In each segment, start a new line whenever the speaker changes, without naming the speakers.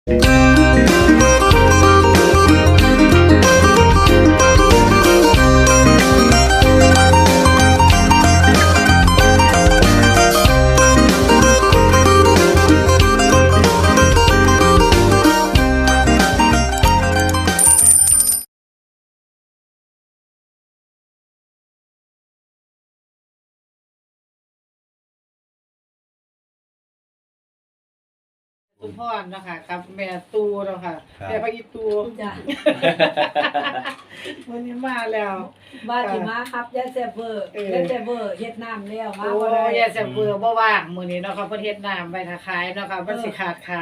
คุณพ่อเนาะค่ะกับแม่ตูเนาะค่ะแม่พระอีตู
จ้ะ
วันนี้มาแล้ว
ว่าสิมาครับยายแซ่บเวอร์ยายแซ่บเวอร์เฮ็ดน้ำแล้วมา
โอ้
บ่ได้
ยายแซ่บเบื่อบ่ว่างมื้อนี้เนาะค่ะเพิ่นเฮ็ดน้ำไว้ถ้าขายเนาะค่ะมันสิขาดขา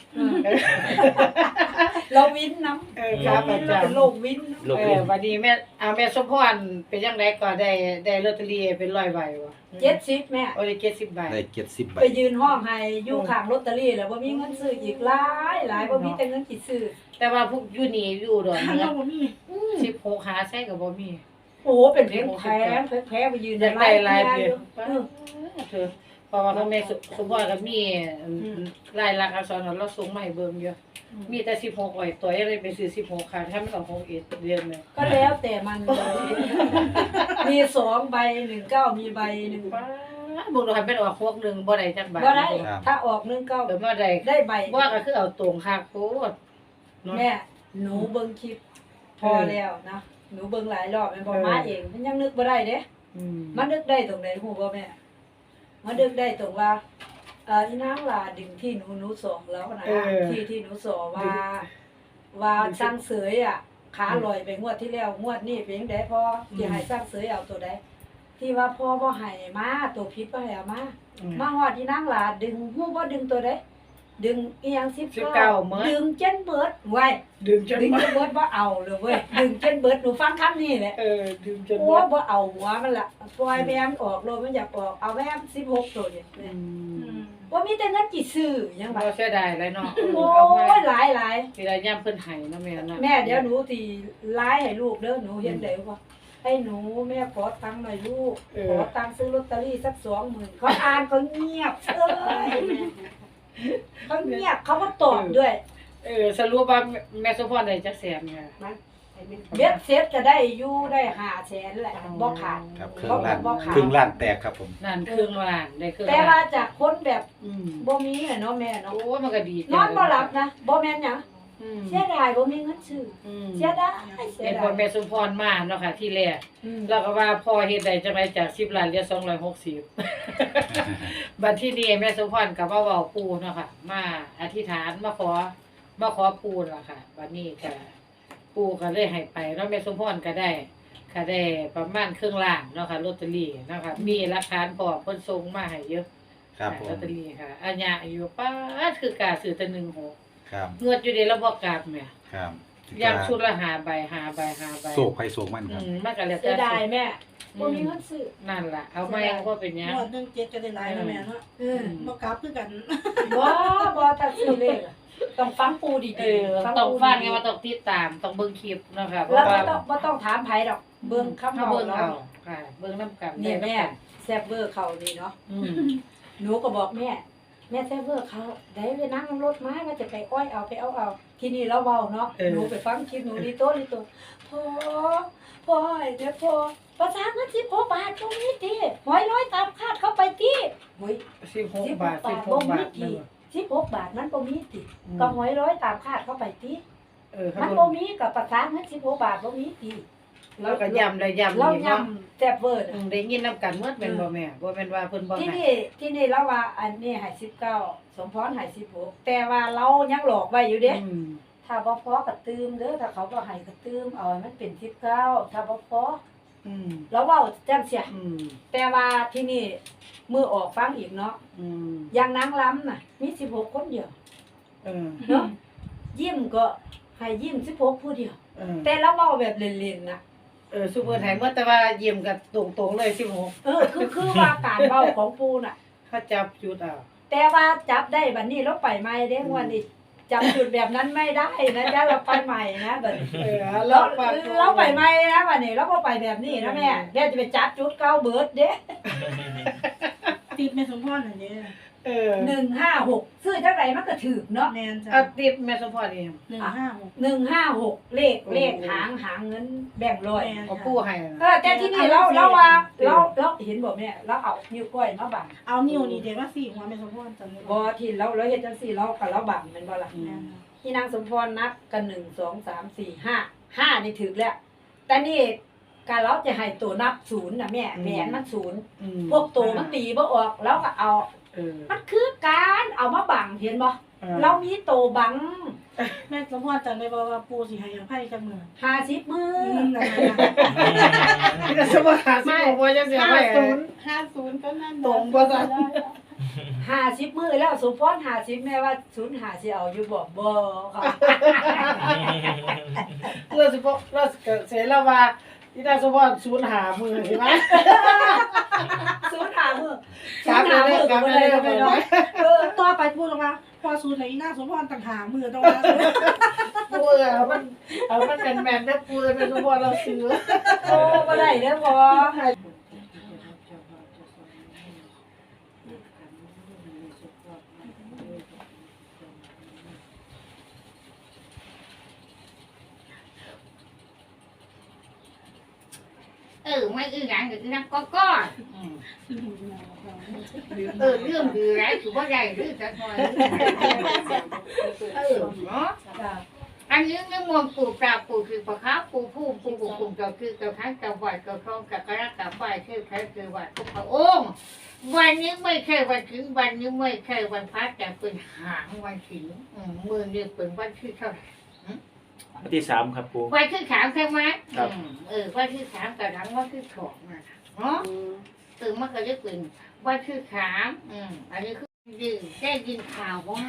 เราวินน้ำ
ครับ
วิ
อาน
เรา
จาร
เป็น
ย์
โรควิน
วันนี้แม่สมพรเป็นจังไดก็ได้ลอตเตอรี่เป็น100ใบบ่
70แม่
โอ้ได้70ใบ
ได้70ใบ
ไปยืนห้องให้อยู่ข้างลอตเตอรี่แล้วบ่มีเงินซื้ออีกหลายบ่มีแต่เงินสิซื้อ
แต่ว่าพวกอยู่นี่อยู่ดอนเมือง
บ่มี
16หาใช้ก็บ่มี
โอ้เป็นเพลงแพ้ไปยืน
อยากได้หลาย
เดี
เดี
ย
ยว เธอเพราะว่าพ่อแม่สมพรก็มีรายลักษณ์อักษรเราส่งมาให้เบิ่งอยู่มีแต่16อ้อยตัวยังเลยไปซื้อ16ค่ะถ้ามันออก61เดือนเลย
ก็แล้วแต่มันมี2ใบ19มีใบนึง
ป้าบ่รู้ให้เป็นออก61บ่ได้จักบาท
บ่ได้ถ้าออก19
เดี๋ยวมาได้
ได้ใบ
ว่าก็คือเอาตรงคักโพดเนาะ
แม่หนูเบิ่งคลิปพอแล้วนะหนูเบิ่งหลายรอบแม่นบ่มาเองมันยังนึกบ่ได้เด้ มันนึกได้ตรงไหนฮู้บ่แม่มันนึกได้ตรงว่าอีนางลาดึงที่หนูสองแล้วนะที่หนูสอว่าสร้างเสยอ่ะขาลอยไปงวดที่แล้วงวดนี้เป็นจังได๋พอสิให้สร้างเสยเอาตัวใดที่ว่าพ่อบ่ให้มาตัวผิดบ่ให้เอามาฮอดอีนางลาดึงฮู้บ่ดึงตัวใดดึงอีหยัง19ดึงเจนเบิดไว้
ดึงจน
ดึงเจนเบิดบ่เอาเลยเว้ยดึงเจนเบิดหนูฟังคำนี้แหละ
ดึงจน
โอ้บ่เอาหัวมันล่ะปล่อยแม่มออกโลดมันอยากออกเอาแม่ม16ตัวเนี่ยบ่มีแต่เงินกี่ซื้อหยัง
บ่
บ่
เสียดายเลยเนาะ
โอ้
เอามาย
หลาย
สิได้ยามเพิ่นให้เนาะแม่เนาะ
แม่เดี๋ยวหนูสิไลน์ให้ลูกเด้อหนูเห็นได้บ่ให้หนูแม่ขอตังค์หน่อยลูกขอตังค์ซื้อลอตเตอรี่สัก 20,000เขาอ่านเขาเงียบเอ้ยเขาเงียบเขาก็ตอบด้วย
สรุปว่าแม่สมพรได้จักแสนค่ะ
เบ็ดเสร็จก็ได้อยู่ได้500,000แหละบ่ขาด
ครับ
บ่ขาด
ครึ่งล้านแตกครับผม
นั่นครึ่งล้านได้ครึ่ง
แต่
ล้าน
ว่าจากคนแบบ
อืม
บ่มีอะเนาะแม่เนาะ
โอ้มันก็ดี
นอนบ่หลับนะบ่แม่นหยัง
อืม
เสียดายบ่มีเงินซื้อ
อืม
เสียดายเสีย
เป็น
ดา
พ่อย แม่สมพรมาเนาะค่ะที่แรก
อืม
แล้วก็ว่าพ่อเฮ็ดได้จังไดจาก10ล้านเหลือ260 บัดที่นี้แม่สมพรก็มาเว้าปู่เนาะค่ะมาอธิษฐานมาขอปู่ล่ะค่ะบัดนี้ก็ปู่ก็เลยให้ไปเนาะแม่สมพรก็ได้ประมาณครึ่งล้านเนาะค่ะลอตเตอรี่เนาะค่ะมีหลักฐานพร้อมเพิ่นส่งมาให้เยอะ
ครับผม
ลอตเตอรี่ค่ะอัญญาอายุป้าดคือกาซื้อแต่16
ครับ
งวดอยู่เดะแล้วบ่กลับแม่
ครับ
ย่างชุดละ5ใบ
โศกใครโศกมันครับ
มันก็แล้ว
เสี
แต่
ยดายแม่บ่มีเงินซื้อ
นั่นล่ะเอาไม่ว่าเป็นหยัง
งวด17ก็ได้หลายแล้วแม่เนาะ
เออ
บ่กลับคือกัน
บ่ถ้าซื้อเลขอะต้องฟังปูดี
ต้องฟังไงว่าต้องติดตามต้องเบิ่งคลิปเนาะค่ะเพ
แล้ว
ราะว่า
บ่ต้องถามไผดอกเบิ่งคำ
ถ้า
เว้า
เบิ่ง
เนาะ
เอาค่ะ เบิ่งนํกัน
นี่แม่
ได้
แซ่บเวอร์เขานี่เนาะ
อืม
หนูก็บอกแม่แซ่บเวอร์เขาได้ไปนั่งรถม้าว่าจะไปอ้อยเอาไปเอาทีนี้เราเว้าเนาะหนูไปฟังคลิปหนูนี่โตพ่อไอ้เด้อพ่อภาษาเงิน16 บาทตรงนี้ติหอยร้อยตามคาดเข้าไปติโอ้ย
16 บาท
บ่
16 บาท
มี
นั่น
ติ16 บาทมันบ่มีติก็หอยร้อยตามคาดเข้าไปติ
เขา
มัน
บ่
บ่มีกับภาษาเงิน16 บาทบ่มีติ
เราก็ย้ำได้ย้ำ
เรา
อีก
ย้
เนาะ
ำแซ่บเวอร์
ได้ยินนํกันหมดแม่นบ่แม่บ่แม่นว่าเพิ่นบ่
ที่
ให้
นี่เราว่าอันนี้ให้19สมพรให้16แต่ว่าเรายังหลอกไว้อยู่เด้
อืม
ถ้าบ่พอก็ตืมเด้อถ้าเขาบ่ให้ก็ตืมเอาให้มันเป็น19ถ้าบ่พอ
อืม
เราเว้าจังซี่
อืม
แต่ว่าที่นี่มือออกฟังอีกเนาะ
อืม
อย่างนางล้ำน่ะมี16คนเดียว
เออ
เนาะยิ้มก็ให้ยิ้ม16ผู้เดียว
เออ
แต่เราเว้าแบบเล่นๆนะ
ซุปเปอร์ไทยหมดแต่ว่ายิ้มก็ตรงๆเลย16
คือว่าการเว้าของปูน่ะ
เขาจับจุดเอา
แต่ว่าจับได้บัดนี้เราไปใหม่เด้งวันนี้จับจุดแบบนั้นไม่ได้นะจ๊ะเราไปใหม่นะบัดนี้ เราไปใหม่นะบัดนี้เราบ่ไปแบบนี้นะแม่เดี๋ยวจะไปจับจุดเก่าเบิดเด้
ติดแม่สมพรนั่นเด้
ต
156ซื้อจังไดมันก็ถูกเนาะ
แมนจ้ะ
เอาติดแม่สมพรเอง
156
156เลขหางเงินแบ่งร้อย
แม่น
เอาปูให้
แต่ที่นี่เราว่าเราเห็นบ่แม่เราเอานิ้วก้อยมาบัง
เอานิ้วนี่เดี๋ยวว่าสี่หัวแม่สมพรจำได้
บ่ที่เราเฮ็ดจังซี่เรากับเราบังแม่นบ่ล่ะ
แม่น
ที่นางสมพรนับกัน1 2 3 4 5 5นี่ถูกแล้วแต่นี่การเราจะให้ตัวนับ0น่ะแม่แหวนมัน0พวกตัวมันตีบ่ออกเราก็เอา มันคือการเอามาบังเห็นบ่เรามีโตวบัง
แม่สมพรจำได้บ่ว่าปูสิให้อภัยจังมื้อ
50มือ
นั่น
แม่สมพรหาสิบ่ว่าจังสิเอาไว้
50ก็นั่น
ตรงบ่ซั่น
50มือแล้วสมพร50แม่ว่า05สิเอาอยู่บ่ค่ะ
เราสิบ่เราก็เสียแล้วว่าอีนางสมพรสูญหามือใช่ไหม
05มือ
ครับเลยครับเลย
ไปเนาะ
ต่อไปพูดออกมาพอสูนไหนหน้าสมพรต่างหากมือต้องว่า
ปูมันเป็นแมนได้ปูเลยเป็นสมพรเราซื้อ
โอ้บ่ได้เด้อบ่
ไม่อื้อหยังก็นั่งก็เรื่องดีไรถือว่าใหญ่หรือจะน้อยเนาะ
จ้ะ
อันนี้เรื่องมนต์ปู่ปราบปู่คือปะค้าปู่ผู้ปู่ปู่ปู่เจ้าคือเจ้าทั้งเจ้าไหวเจ้าครองกับกระกับไหวคือใครคือไหวทุกพระองค์วันนี้ไม่ใช่วันถึงวันนี้ไม่ใช่วันพักแต่เป็นหางวันถึงมือนี่เป็นวันที่เท่าไหร่
วันที่3ครับปู
วันที่3ใช่ไหม
ครับ
วันที่3กับหลังวันที่2นะเนาะตื่นมาก็จะเป็นวันที่3อันนี้คือได้ยินข่าวว่า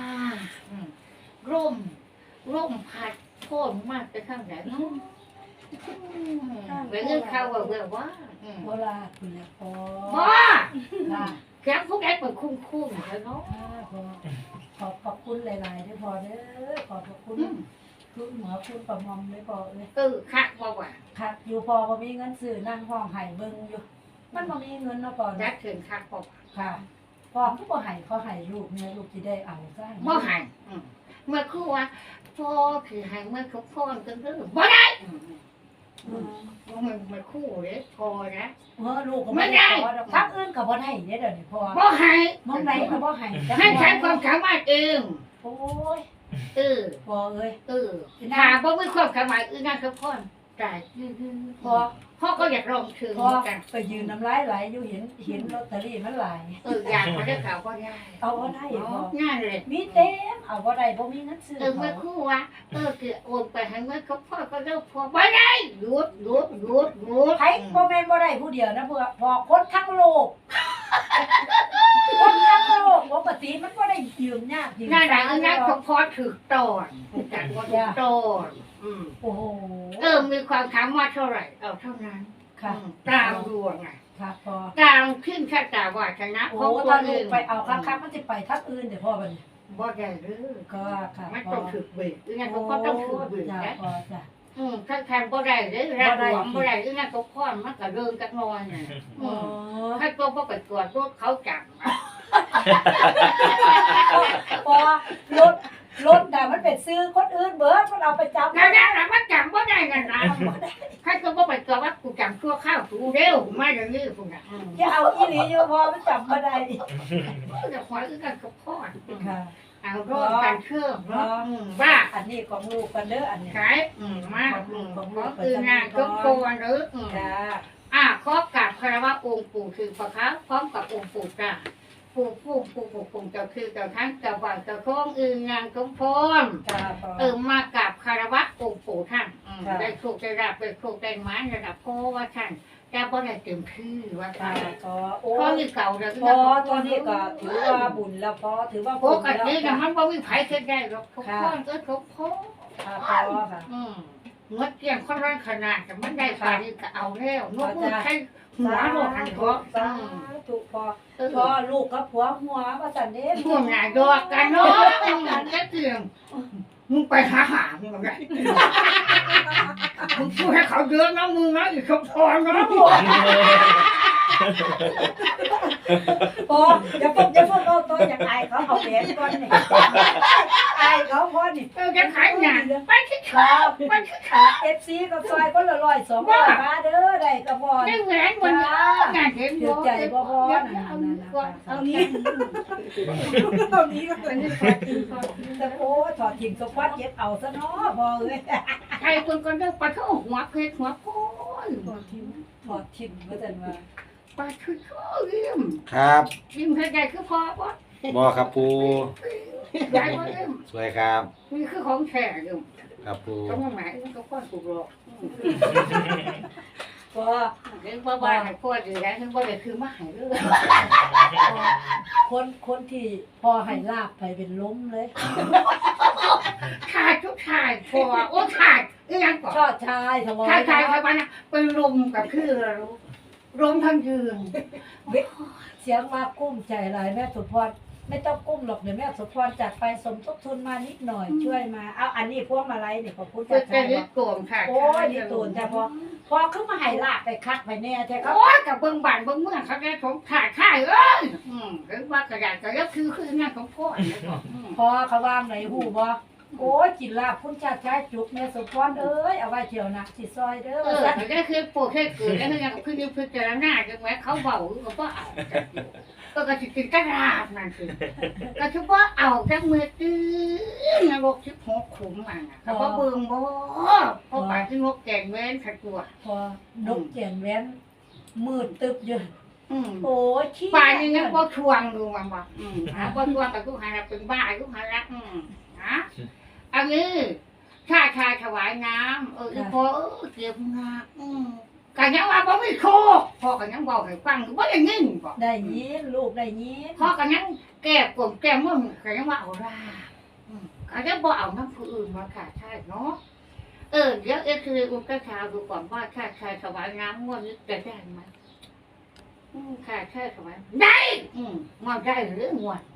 ร่มพัดโค่นมากไปข้างไหนเนาะไปเรื่องข่าวว่า
บ่
ว่า
ลาคุณแล้วพอ
ว่า
ค่ะ
แกพวกแกเป็นคุ้มๆแล้วเนาะ
ขอบคุณหลายๆด้วยพอเด้อขอบคุณคุณหมอคุณประมอมด้วยพอเลย
คักว่าว่า
ค่ะอยู่พอบ่มีเงินซื้อนั่งห้องไห้เบิ่งอยู่ มันบ่มีเงินเนาะพอ
ยั
เนาะ
ดถึงคักว่า
ค่ะพอก็บ่ให้เขาให้ลูกเนี่ยลูกสิได้เอาซะ
บ่หันเมื่อคู่ว่าพ่อคือหันเมื่อเขาพ่อกันก็บ่ได้มันคู่เลยพอนะ
ลูกก็บ่ได้พอดอกพักอื่นก็บ่ได้เด้อเดี๋ยวนี้พอ
บ่ให้
มองไหนก็บ่ให้
ให้ใช้ความสามารถเอง
โอ้ย
พ
พอเอ้ย
ถ้าบ่มีความสามารถอื่นนั่นก็พ่อได้
พอ
พ่อก็อยากลองถึง
พอ
กัน
ไปยืนน้ำลายไหลอยู่เห็นลอตเตอรี่มันหลาย
อยากมาได้ข่าวก็ได้
เอาบ่ได้พอ
ง่ายเลย
มีเต็มเอาบ่ได้บ่มีเงินซื้อ
เมื่อคู่ว่าคือโอนไปให้เมื่อเขาพ่อก็เลิกพอบ่ได้หยุด
ไผบ่แม่นบ่ได้ผู้เดียวนะพอคนทั้งโลกคนทั้งโลกปกติมันบ่ได้ยืมยากยืม
นั่นแหละนั่นเขาพอถือตอนจากว่าถือตอน
โอ้โห
มีความสามารถเท่าไหร่เอาเท่านั้น
ค่ะ
ตามดวงไง
ค่ะพอ
ตามขึ้นชะตาวาสนา
โอ้
ของตั
ถ้าว ลู
เอก ง
ไปเอาครับมันสิไปทักอื่นเดี๋ยวพ่อบัดนี้
บ่ได้หรือ
ก็ค่ะ
มัน
พอ
ต้องถือเบิกงั้นเขาก็ต้องถือเบิก
จ้ะ
นะ
พอจ้ะ
ถ้าแทนบ่ได้หรือรักหวงบ่ได้หรืองั้นเขาพ่อมันก็เริ่มกันนอนน่ะ
อ๋อ
ถ้าตัวบ่ไปตรวจพวกเขาจับ
พอรถน่ะมันเป็นซื้อคนอื่นเบิดมันเอาไปจับ
นั่นแหละมันจับบ่ได้นั่นนะถ้าตัวบ่ไปตรวจว่ากูจับชั่วข้าวกูเร็วมาอย่างนี้พุ่นน่ะ
อย่าเอาอีหลีอยู่พอมันจับบ่ได้
จะขอคือกันกับพ่อ
ค่ะ
เอารถกันเครื่องเนาะว่า
อันนี้ของลูกกันเด้ออันนี้
ขายมาขอคืองานก็โกนหรือ
จ้า
ขอกราบคารวะองค์ปู่คือพระครับพร้อมกับองค์ปู่จ้าปู่เจ้าคือเจ้าทั้งเจ้าบ่าวเจ้าโค้งงานสมพร
จ้าพอ
มากราบคารวะองค์ปู่ท่านได้โชคได้ราบได้โชคได้หมาระดับพ่อว่าท่านแต่บ่ได้เต็มที่ว่า
จ้า
ท่าน
ก็โอ้
พ่อนี่เก่าแล้ว
พอตอนนี้ก็ถือว่าบุญแล้วพอถือว่า
ป
บุญ
ก
แล้ว
ตินะ
ค่ะ
มันบ่มีไผเฮ็ดได้หรอกทุกคนก็ทุกคน
พอค่ะ
เมื่อเกี่ยงคนร้อนขนาดแต่มันได้ปลาดีก็เอาแล้วนกมือใช้หัวโลหันหัว
สาธุพอลูกกับผัวหัวว่าสันเด้
พวกนายดอกกันเนาะก็เกี่ยงมึงไปหามึงไงมึงพูดให้เขาเดือดนะมึงนะอีกคำพรนะ
โอ้อย่าพวกเอาตัวอยากอายเขาเอาแหวนก่อนนี่อายเขาพอนี่
จะขายงานไปที่
ค
ขา
รับ
ไปที่ขา
FC ก็ซอยคนละ100 200มาเด้อได้ก็บ่
ได้แหวนวันนี้งานเห็น
ถือใจบ่พอ
เอา
นั่น
เอานี้
ตอนนี้ก็เป็น
แต่โอ้ถอดถิ่มสควอตเย็บเอาซะเนาะพอเอ้ย
ใครคนก็ได้ปลาเข้าหัวเพชรหัวโคน
ถอดถิ่มว่าซั่นว่า
ปลาคือข้อเลี่ยม
ครับ
ยิ้มให้ใหญ่คือพอปะ
บอครับปู
ใหญ่กว่าเลี่ยม
สวยครับ
นี่คือของแท้เลี่ยม
ครับปู
ต้องมาหมายมันก็ก้อนถูกหลอก
พอ
เรื่องบ้าๆให้พ่อดีแล้วถึงว่าเลยคือมาหายเรื่อง
คนที่พอให้ลาบไปเป็นล้มเลย
ขาดทุกขาดพอโอ้ขาดอีหยังก่อน
ชอดชายถวาย
ขาดขาดขาดไปนะเป็นลมกับคือลมทั้งยืน
เสียงมากุ้มใจหลายแม่สุพรไม่ต้องกุ้มหรอกเดี๋ยวแม่สุพรจัดไปสมทบทุนมานิดหน่อยช่วยมาเอาอันนี้พวกมาลัยนี่ขอบคุณ
เพื่
จ้า
อจะ
ชาย
ยึดโกงค่ะ
โอ้ยนี่ตูนจ้าพอขึ้นมาให้ลาบไปคักไปแน่แท้ครับ
โอ้ยกับเบิ้งบานเบิ้งเมืองเขาได้ของขาดข่ายเอ้ยหรือว่ากระดาษกระยับคืองานของพ่อ
พอเขาวางไหนหูบ่โอ้ยกินลาบพุ่นชาติชายจุกแม่สุพรเอ้ยเอาไว้เที่ยวหนักสิซอยเด้อ
เขาได้คือปวดแค่เกิดได้คืองานกับคือพิจารณาจังไหมเขาเบาหรือว่าเอาก็กระติกกระดาษนั่นคือก็คือว่าเอาจากมือตื้อนรกที่6ขุมมันเขาก็เบิ่งบ่เพราะป่าที่งกแกงเว้นขัดตัว
พอนกแจ่นแว้นมืดตึบอยู่
อืม
โอ้ยขี้
ป่านี่นะบ่ทวงดูมันบ่บ่ทวงกับกูหาเป็นบ้ากูหาละนะอันนี้ชาถวายน้ำพอเก็บงากันยังว่าบ่มีโคพ่อกันยังบอกให้ฟังบ่ได้ยินบ่
ได้ยินลูกได้ยิน
พ่อกันยังแก้กลมแก้มึงกันยังว่าเอารากันยังบ่เอาน้ำผู้อื่นมาขาดใช่เนาะเดี๋ยวคืออุ้มกระชาดูก่อนว่าชาถวายน้ำงวดนี้จะได้ไหมค่ะถวายได้งวดได้หรืองวด